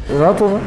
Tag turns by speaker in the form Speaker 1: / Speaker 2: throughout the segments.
Speaker 1: Rahat olun.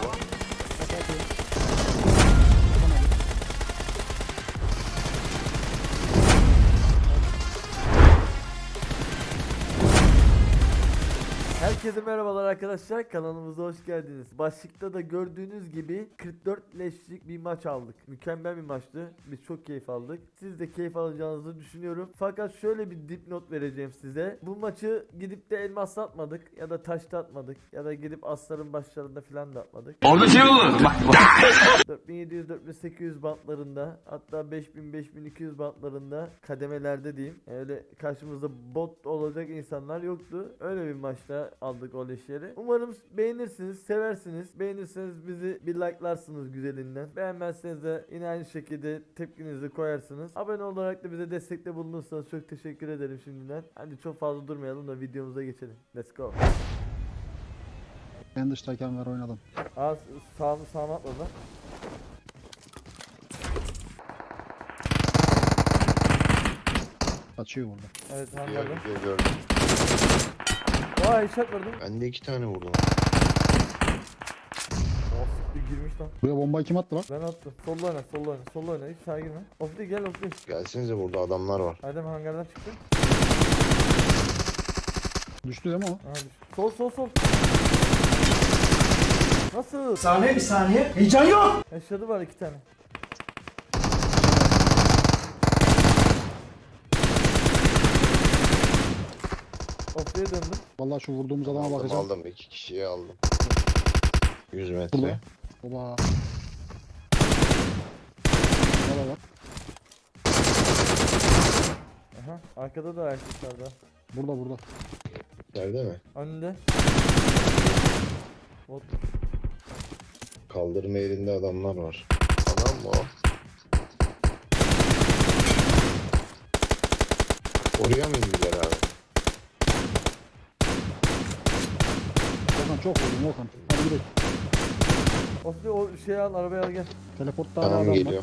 Speaker 1: Herkese merhabalar arkadaşlar, kanalımıza hoş geldiniz. Başlıkta da gördüğünüz gibi 44 leşlik bir maç aldık. Mükemmel bir maçtı. Biz çok keyif aldık. Siz de keyif alacağınızı düşünüyorum. Fakat şöyle bir dipnot vereceğim size. Bu maçı gidip de elmas atmadık ya da taşta atmadık ya da gidip asların başlarında filan da atmadık.
Speaker 2: Orada şey olur. Bak.
Speaker 1: 4700-4800 bantlarında, hatta 5000-5200 bantlarında kademelerde diyeyim. Öyle karşımızda bot olacak insanlar yoktu. Öyle bir maçta aldık o leşleri. Umarım beğenirsiniz, seversiniz. Beğenirseniz bizi bir likelarsınız güzelinden. Beğenmezseniz de yine aynı şekilde tepkinizi koyarsınız. Abone olarak da bize destekte bulunursanız çok teşekkür ederim şimdiden. Hadi çok fazla durmayalım da videomuza geçelim. Let's go.
Speaker 3: En dıştayken ver oynadım.
Speaker 1: Aa, sağına atladı.
Speaker 3: Kaçıyor burada.
Speaker 1: Evet, hangarda.
Speaker 4: Gördüm.
Speaker 1: Vay, headshot vurdum.
Speaker 4: Ben de 2 tane vurdum.
Speaker 1: Oh, bir girmiş lan.
Speaker 3: Buraya bombayı kim attı lan?
Speaker 1: Ben attım. Solla oyna, solla oyna, solla oyna. Hiç sağa girme. Ofli gel, Ofli.
Speaker 4: Gelsenize, burada adamlar var.
Speaker 1: Adem hangardan çıktı.
Speaker 3: Düştü değil mi o?
Speaker 1: Aha düştü. Sol. Nasıl?
Speaker 2: Saniye bir saniye. Heyecan yok.
Speaker 1: Yaşadı var 2 tane. Ofli'ye döndüm.
Speaker 3: Vallahi şu vurduğumuz adama
Speaker 4: Aldım,
Speaker 3: bakacağım.
Speaker 4: aldım. 2 kişiyi aldım. 100
Speaker 3: Burada.
Speaker 4: metre.
Speaker 3: Oba. Valla bak.
Speaker 1: Aha, arkada da erkekler var.
Speaker 3: Burada.
Speaker 4: Nerede mi?
Speaker 1: Önünde. Bot.
Speaker 4: Kaldırma yerinde adamlar var. Adam mı o? Oraya mı indiler abi?
Speaker 3: Okan çok vurdum Okan. Hadi gidelim.
Speaker 1: Ofli o şeyi al, arabaya al gel.
Speaker 3: Teleportta hala
Speaker 4: Tamam,
Speaker 3: adam
Speaker 4: geliyor.
Speaker 3: var.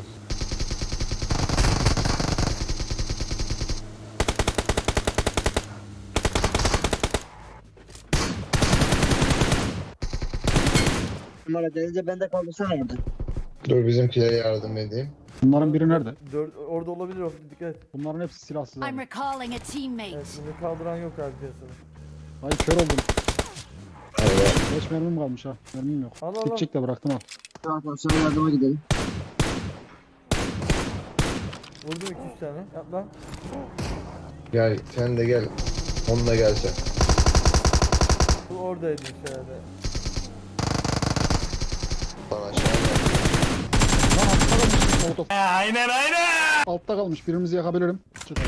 Speaker 5: Numara gelince ben de kaldırsana orada.
Speaker 4: Dur, bizimkilere yardım edeyim.
Speaker 3: Bunların biri nerede?
Speaker 1: Orada olabilir Ofli, dikkat et.
Speaker 3: Bunların hepsi silahsız
Speaker 6: I'm
Speaker 3: abi.
Speaker 6: recalling a teammate.
Speaker 1: Evet, bunu kaldıran yok abi piyasada.
Speaker 3: Hayır kör oldum.
Speaker 4: Evet.
Speaker 3: 5 mermim kalmış ha. Mermim yok.
Speaker 1: Al.
Speaker 3: Gidecek de bıraktım al.
Speaker 5: Şu arkadaşlara yardıma gidelim.
Speaker 1: Vurdum 2-3 tane. Yap lan.
Speaker 4: Gel, sen de gel. Onunla gelsen.
Speaker 1: Bu oradaydı herhalde.
Speaker 4: Lan aşağı gel.
Speaker 3: Lan altta kalmış. Molotof.
Speaker 2: Aynen.
Speaker 3: Altta kalmış. Birimizi yakabilirim. Çık abi.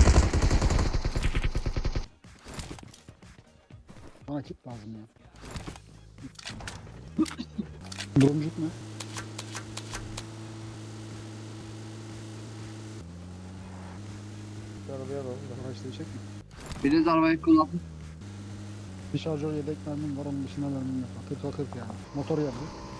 Speaker 3: Bana kit lazım ya. Durumcuk mu?
Speaker 1: Şu arabaya alalım da.
Speaker 3: Araç değişecek mi?
Speaker 5: Biriniz arabayı kullanın.
Speaker 3: Bir şarjör yedek mermim var, onun dışında mermim yok. Akırt yani. Motor yandı.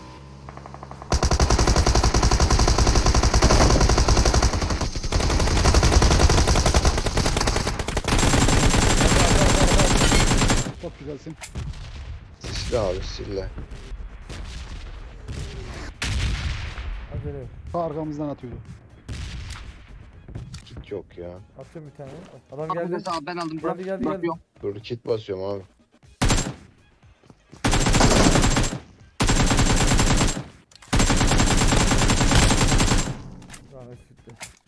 Speaker 3: Çok güzelsin.
Speaker 4: Sisli abi, sisli.
Speaker 1: Acele yok.
Speaker 3: Ta arkamızdan atıyordu.
Speaker 4: Kit yok ya.
Speaker 1: Atıyorum bir tane. Adam
Speaker 5: Bak
Speaker 1: geldi.
Speaker 5: mesela ben aldım. Bırak,
Speaker 1: Geldi.
Speaker 5: bırakıyorum.
Speaker 4: Dur, kit basıyorum abi.
Speaker 1: Rahmet gitti.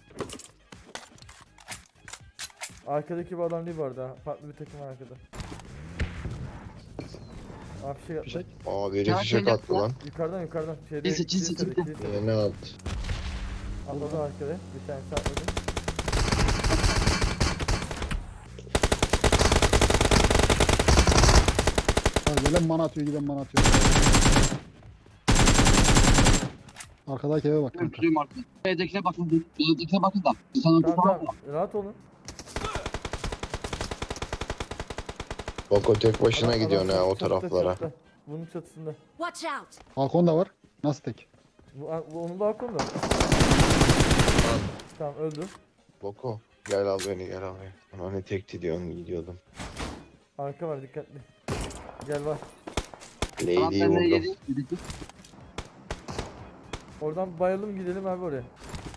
Speaker 1: Arkadaki bu adam değil bu arada. Farklı bir takım var arkada. Abi fişek atla.
Speaker 3: Fişek.
Speaker 4: Aa, biri
Speaker 5: Ya,
Speaker 4: fişek
Speaker 5: şeyde-
Speaker 4: attı lan.
Speaker 1: Yukarıdan. Şeyde,
Speaker 5: Kilise,
Speaker 1: kilisede.
Speaker 4: Yine attı.
Speaker 1: Atladı arkada. Bir tane atladı.
Speaker 3: Ha, gelen bana atıyor, giden bana atıyor. Arkadaki eve bak
Speaker 5: Ben
Speaker 3: kanka.
Speaker 5: tutuyorum artık. B'dekine bakın. B'dekine bakın da. Sana
Speaker 1: Tamam.
Speaker 5: tutamam.
Speaker 1: Rahat olun.
Speaker 4: Boko tek başına
Speaker 1: Adam
Speaker 4: gidiyorsun ha o
Speaker 1: çatıda,
Speaker 4: taraflara.
Speaker 1: çatıda. Bunun çatısında.
Speaker 6: Watch out!
Speaker 3: Balkon da var. Nasıl tek?
Speaker 1: Bu onun balkonu da. Tamam, öldü.
Speaker 4: Boko, gel al beni, gel al beni. Hani tekti diyorsun, gidiyordum.
Speaker 1: Arka var, dikkatli. Gel var.
Speaker 4: Lady'yi vurdum.
Speaker 1: Oradan bayalım gidelim abi oraya.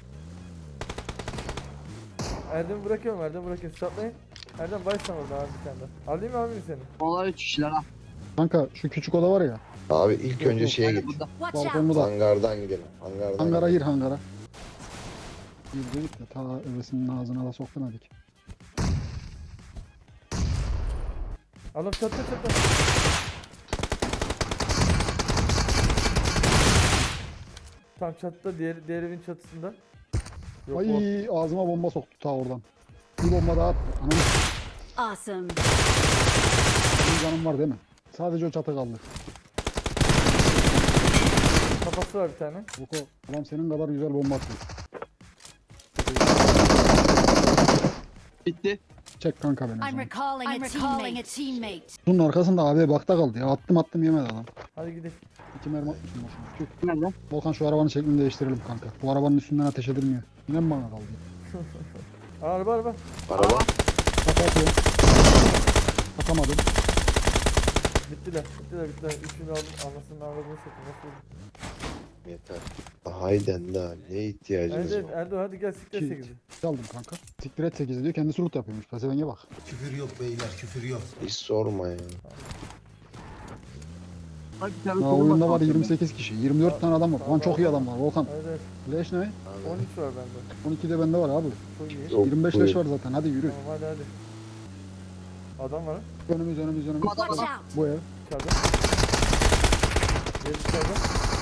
Speaker 1: Erdem'i bırakıyorum, Erdem'i bırakıyorum. Satlayın. Erdem baysan orada abi bir tane daha. Alayım mı abi seni?
Speaker 5: Onlar 3 kişiler ha.
Speaker 3: Kanka şu küçük oda var ya.
Speaker 4: Abi ilk
Speaker 3: Yok,
Speaker 4: önce
Speaker 3: yok.
Speaker 4: şeye
Speaker 5: Aynen
Speaker 4: git.
Speaker 5: burada.
Speaker 6: Watch out!
Speaker 3: Balkonlu da.
Speaker 4: Hangardan gidelim. Hangardan
Speaker 3: Hangara
Speaker 4: gidelim.
Speaker 3: gir hangara. Bir dedik de ta övesinin ağzına da sokmadık.
Speaker 1: Alın çatla çatla. Tam çatıda, diğer evin çatısında. Yok, o.
Speaker 3: Ay ağzıma bomba soktu ta oradan. Bir bomba daha attı. Anam
Speaker 6: Awesome!
Speaker 3: benim canım var değil mi? Sadece o çatı kaldı.
Speaker 1: Kafası var bir tane.
Speaker 3: Boko adam senin kadar güzel bomba atıyor.
Speaker 5: Bitti.
Speaker 3: Çek kanka beni. o
Speaker 6: I'm
Speaker 3: zaman.
Speaker 6: recalling a teammate.
Speaker 3: Bunun arkasında abi bakta kaldı ya. Attım yemedi adam.
Speaker 1: Hadi gidelim.
Speaker 3: 2 mermi atmışım boşuna. Tüh.
Speaker 5: Nerede?
Speaker 3: Volkan şu arabanın şeklini değiştirelim kanka. Bu arabanın üstünden ateş edilmiyor. Yine mi bana kaldı?
Speaker 1: Araba.
Speaker 4: Araba.
Speaker 3: Bak atıyorum. Atamadım.
Speaker 1: Bittiler. Üçünü aldım. Anasının ağladığını satın. Nasıl oldu?
Speaker 4: Yeter. Hayden daha ne ihtiyacımız
Speaker 1: Evet,
Speaker 4: var?
Speaker 1: Erdoğan hadi gel siktir
Speaker 3: Ki-
Speaker 1: 8'i.
Speaker 3: Aldım kanka. Siktir et 8 diyor. Kendisi loot yapıyormuş. Pesevenge bak.
Speaker 2: Küfür yok beyler, küfür yok.
Speaker 4: Hiç sorma ya.
Speaker 5: Bak bir tane
Speaker 3: Ya
Speaker 5: sorun
Speaker 3: oyunda var
Speaker 5: bak.
Speaker 3: 28 kişi. 24 tane adam var. Lan çok iyi adam var Volkan.
Speaker 1: Evet.
Speaker 3: Leş ne?
Speaker 4: Abi,
Speaker 1: 13 var bende.
Speaker 3: 12 de bende var abi.
Speaker 1: Çok iyi.
Speaker 4: yok,
Speaker 3: 25
Speaker 4: buyur.
Speaker 3: leş var zaten. Hadi yürü.
Speaker 1: Tamam hadi. Adam var.
Speaker 3: Önümüz.
Speaker 5: Adam
Speaker 6: Watch
Speaker 5: adam.
Speaker 6: out!
Speaker 3: Bu ev.
Speaker 1: İçeride. Gel içeride.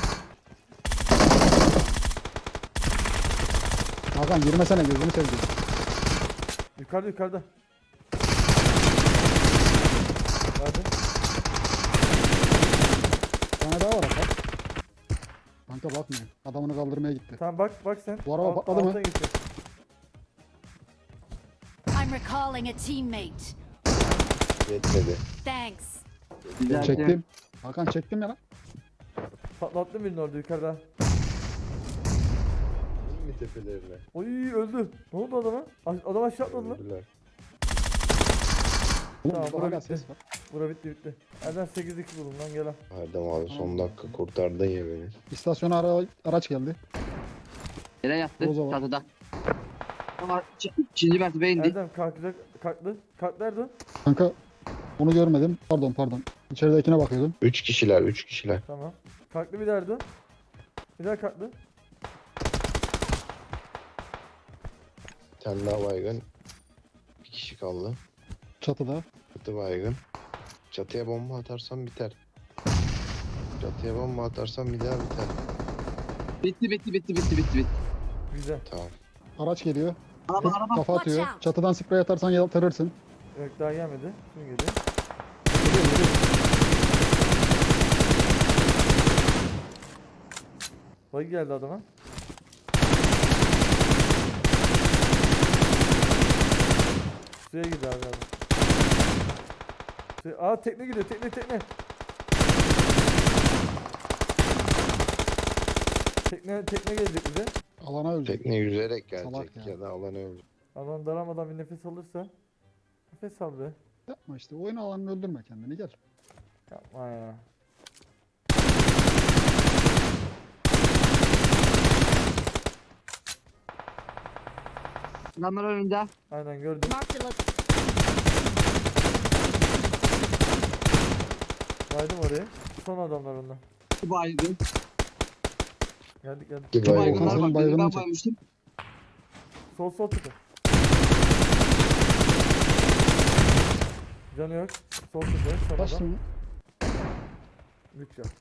Speaker 3: Hakan girmesene gözünü seveyim.
Speaker 1: Yukarıda. Hadi.
Speaker 3: Bir tane daha var Hakan. Kanka bakmıyor. Adamını kaldırmaya gitti.
Speaker 1: Tamam bak sen.
Speaker 3: Bu araba patladı mı?
Speaker 1: alttan geçiyor.
Speaker 6: I'm recalling a teammate.
Speaker 4: Yetmedi.
Speaker 6: Thanks.
Speaker 5: Güzel.
Speaker 3: Çektim. Hakan çektim ya lan.
Speaker 1: Patlattım birini orada yukarıda.
Speaker 4: İn mi tepelerine?
Speaker 1: Oy öldü. Ne oldu adama? Adam aşağı atladı lan.
Speaker 4: Öldüler.
Speaker 3: Oğlum
Speaker 1: Tamam,
Speaker 3: burada hala
Speaker 1: bırak
Speaker 3: ses
Speaker 1: bitti.
Speaker 3: var.
Speaker 1: Bura bitti. Erdem 8-2 bulun lan gel al.
Speaker 4: Erdem abi son dakika kurtardın ya beni.
Speaker 3: İstasyona araç geldi.
Speaker 5: Yere yattı.
Speaker 3: O zaman.
Speaker 5: Çatıda. Ama ikinci mertebe indi.
Speaker 1: Erdem kalktı. Kalktı Erdoğan.
Speaker 3: Kanka onu görmedim. Pardon. İçeridekine bakıyordum.
Speaker 4: 3 kişiler.
Speaker 1: Tamam. Kalktı bir daha Erdoğan. Bir daha kalktı.
Speaker 4: Bir tane daha baygın. Bir kişi kaldı.
Speaker 3: Çatıda.
Speaker 4: Çatı baygın. Çatıya bomba atarsam biter. Çatıya bomba atarsam bir daha biter.
Speaker 5: Bitti.
Speaker 1: Güzel.
Speaker 4: Tamam.
Speaker 3: Araç geliyor.
Speaker 5: Araba.
Speaker 3: Kafa
Speaker 6: Watch
Speaker 3: atıyor.
Speaker 6: out.
Speaker 3: Çatıdan sprey atarsan yatırırsın.
Speaker 1: Yok daha gelmedi. Şimdi geliyor.
Speaker 3: Geliyor.
Speaker 1: Bagi geldi adama. Suya gidiyor abi adam. Aa tekne gidiyor tekne. Tekne gelecek bize.
Speaker 3: Alana ölecek.
Speaker 4: Tekne yüzerek
Speaker 3: Salak
Speaker 4: gelecek
Speaker 3: ya.
Speaker 4: ya da alana ölecek.
Speaker 1: Adam daramadan bir nefes alırsa. Nefes al be.
Speaker 3: Yapma işte. Oyun alanını öldürme kendini. Gel.
Speaker 1: Yapma ya.
Speaker 5: Adamlar önünde.
Speaker 1: Aynen gördüm.
Speaker 6: Marked a location.
Speaker 1: Baydım oraya. Son adamlar onlar.
Speaker 5: Bu baygın.
Speaker 1: Geldik.
Speaker 4: Bir
Speaker 5: Bu
Speaker 3: Volkan
Speaker 4: baygın
Speaker 5: baygınlar
Speaker 3: senin
Speaker 5: bak. Birini
Speaker 3: baygınını
Speaker 5: ben
Speaker 3: çek.
Speaker 5: baymıştım.
Speaker 1: Sol tutun. Canı yok. Sol tutun. Son
Speaker 3: Kaç
Speaker 1: adam.
Speaker 3: tane?
Speaker 1: Lük yok.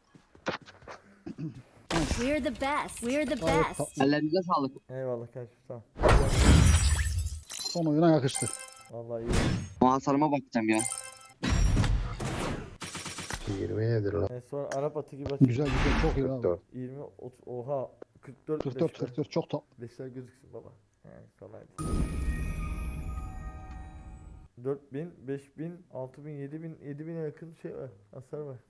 Speaker 6: We're the best. We're the
Speaker 3: Gayet
Speaker 6: best.
Speaker 3: tatlı.
Speaker 5: Ellerinize sağlık.
Speaker 1: Eyvallah kardeşim tamam.
Speaker 3: Son oyuna yakıştı.
Speaker 1: Vallahi iyi.
Speaker 5: Muhasarıma bakacağım ya.
Speaker 4: 20 nedir lan?
Speaker 1: Sonra Arap atı gibi atıyor.
Speaker 3: Güzel çok iyi abi.
Speaker 4: 44.
Speaker 1: 20 30 oha 44
Speaker 3: 44 çok tatlı.
Speaker 1: Beşler gözüksün baba. Yani kolay değil. 4000, 5000, 6000, 7000, 7000'e yakın şey var. Hasar var.